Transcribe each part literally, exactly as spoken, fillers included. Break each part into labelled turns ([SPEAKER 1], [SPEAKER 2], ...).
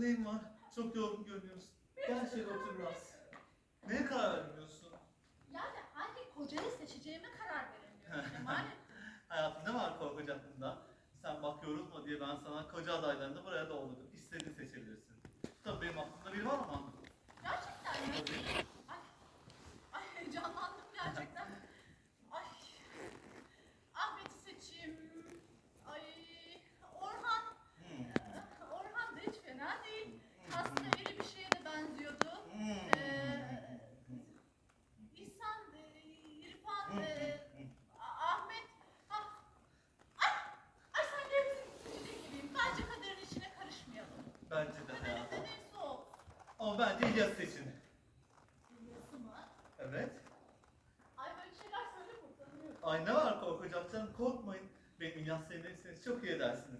[SPEAKER 1] hayatım neyin var? Çok yorgun görünüyorsun. Gel şöyle otur biraz. Neye karar vermiyorsun?
[SPEAKER 2] Yani hangi kocayı seçeceğime karar veremiyorum Cemalettin.
[SPEAKER 1] Hayatım ne var korkacak bunda? Sen bak yorulma diye ben sana koca adaylarını buraya doldurdum. İstediğini seçebilirsin. Tabii benim aklımda biri var ama.
[SPEAKER 2] Gerçekten mi?
[SPEAKER 1] Tabii.
[SPEAKER 2] Ay, ay heyecanlandım gerçekten. Ay, Ahmet'i seçeyim. Ay, Orhan.
[SPEAKER 1] Hmm.
[SPEAKER 2] Ee, Orhan da hiç fena değil. Aslında iri bir şeye de benziyordu.
[SPEAKER 1] Hmm.
[SPEAKER 2] Ee, İhsan, e, İrfan, e, A- Ahmet. Ha, ay, ay sanki hepsini seçecek gibiyim. Bence kaderin içine karışmayalım.
[SPEAKER 1] Bence de
[SPEAKER 2] Kaderin
[SPEAKER 1] hayatım.
[SPEAKER 2] de neyse o.
[SPEAKER 1] Ama bence İlyas seçin.
[SPEAKER 2] Biliyorsun mu?
[SPEAKER 1] Evet.
[SPEAKER 2] Ay böyle şeyler söyleme utanıyorum.
[SPEAKER 1] Ay ne var korkacak canım, korkmayın. Benim İlyas sevmeliyseniz çok iyi edersiniz.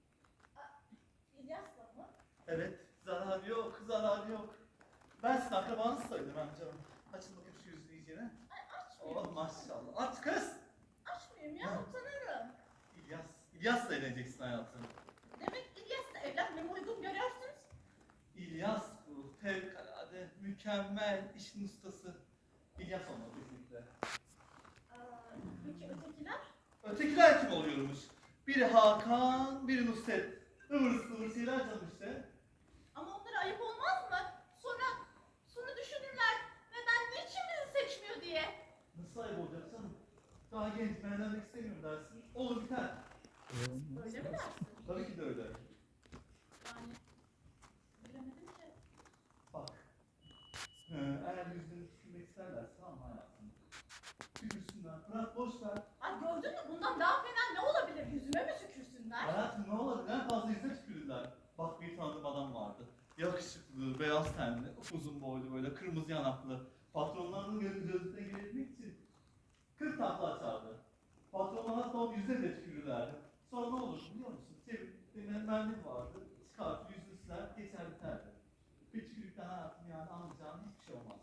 [SPEAKER 2] İlyas'la mı?
[SPEAKER 1] Evet, zarar yok, zarar yok. Ben sizin akrabanız sayılırım ben canım. Açın bakayım şu yüzünü iyicene.
[SPEAKER 2] Ay açmıyorum.
[SPEAKER 1] Oh maşallah. Aç kız!
[SPEAKER 2] Açmıyorum ya
[SPEAKER 1] Ha.
[SPEAKER 2] utanırım.
[SPEAKER 1] İlyas, İlyas'la evleneceksin hayatım.
[SPEAKER 2] Demek İlyas'la evlenmemi uygun görüyorsunuz.
[SPEAKER 1] İlyas bu, fevkalade, mükemmel, işin ustası. İlyas olmalı kesinlikle.
[SPEAKER 2] Aa, peki ötekiler?
[SPEAKER 1] Ötekiler kim oluyormuş? Biri Hakan, biri Nusret. Ivır zıvır şeyler canım işte.
[SPEAKER 2] Ama onlara ayıp olmaz mı? Sonra, sonra düşünürler. Neden, niçin bizi seçmiyor diye.
[SPEAKER 1] Nasıl ayıp olacak canım? Daha genç, ben evlenmek istemiyorum dersin. Olur biter.
[SPEAKER 2] Öyle mi dersin?
[SPEAKER 1] Tabii ki de öyle.
[SPEAKER 2] Yani, bilemedim ki.
[SPEAKER 1] Bak. Ee, eğer yüzünü tükürmek isterlerse tamam hayatım. Tükürsünler. Bırak boş ver.
[SPEAKER 2] Ay gördün mü? Bundan daha fena ne olabilir? Yüzüme mi tükürsünler?
[SPEAKER 1] Hayatım ne olabilir? En fazla yüzüne tükürürler. Bak bir tanıdığım adam vardı. Yakışıklı, beyaz tenli, uzun boylu böyle kırmızı yanaklı. Patronlarının gözü gözüne girebilmek için kırk takla açardı. Patronlar hatta onun yüzüne de tükürürlerdi. Sonra ne olur biliyor musun? Çevirip mermi vardı. Çıkartıp yüzünü siler, geçer biterdi. Bir tükürükten hayatım yani anlayacağın hiçbir şey olmaz.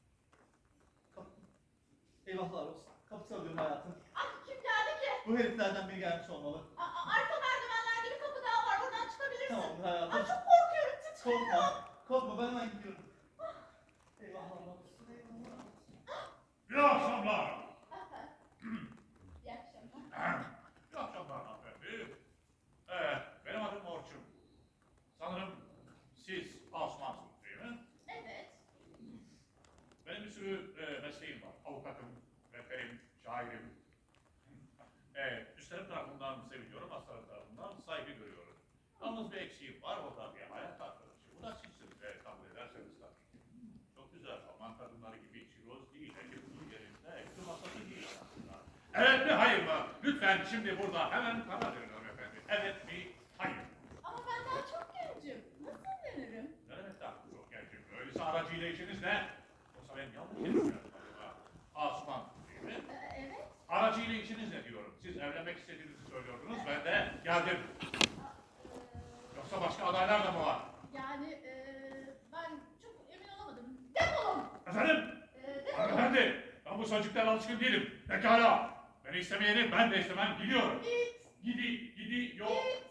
[SPEAKER 1] Kapı. Eyvahlar olsun. Kapı çalıyorum hayatım.
[SPEAKER 2] Ay kim geldi ki?
[SPEAKER 1] Bu heriflerden biri gelmiş olmalı.
[SPEAKER 2] Aa, arka merdivenlerde bir kapı daha var. Oradan çıkabilirsin.
[SPEAKER 1] Tamam hayatım.
[SPEAKER 2] Ay çok korkuyorum. Titriyorum.
[SPEAKER 1] Korkma. Korkma ben hemen gidiyorum. Eyvahlar olsun. Eyvahlar olsun.
[SPEAKER 3] İyi akşamlar.
[SPEAKER 2] İyi akşamlar.
[SPEAKER 3] İyi akşamlar hanımefendi. Evet, benim adım Orçun. Sanırım siz Asumansınız değil mi?
[SPEAKER 2] Evet.
[SPEAKER 3] Benim bir sürü e, mesleğim var. Avukatım, rehberim, şairim. Evet, üstlerim tarafından seviliyorum, hastalarım tarafından saygı görüyorum. Yalnız bir eksiğim var, o da bir hayat arkadaşı. Bu da sizsiniz ve kabul ederseniz tabii. Çok güzel, Alman kadınları gibi çiroz değil, ekibinin yerinde, ekli masası değil aslında. Evet mi, hayır mı? Lütfen şimdi burada hemen karar verin hanımefendi. Evet mi, hayır.
[SPEAKER 2] Ama ben daha çok gencim. Nasıl evlenirim?
[SPEAKER 3] Ne demek daha çok gencim? Öyleyse aracıyla işiniz ne? Yoksa ben yanlış yapıyorum galiba. Asuman değil mi?
[SPEAKER 2] Ee, evet.
[SPEAKER 3] Aracıyla işiniz ne diyorum? Siz evlenmek istediğinizi söylüyordunuz, ben de geldim.
[SPEAKER 2] Ee,
[SPEAKER 3] Yoksa başka adaylar da mı var?
[SPEAKER 2] yani ee, ben çok emin olamadım. Defolun.
[SPEAKER 3] Efendim?
[SPEAKER 2] Ee, defolun.
[SPEAKER 3] Hanımefendi, ben bu sözcüklerle alışkın değilim. Pekala. Beni istemeyeni ben de istemem, gidiyorum.
[SPEAKER 2] Git.
[SPEAKER 3] Gidi, gidi, yok.
[SPEAKER 2] Git.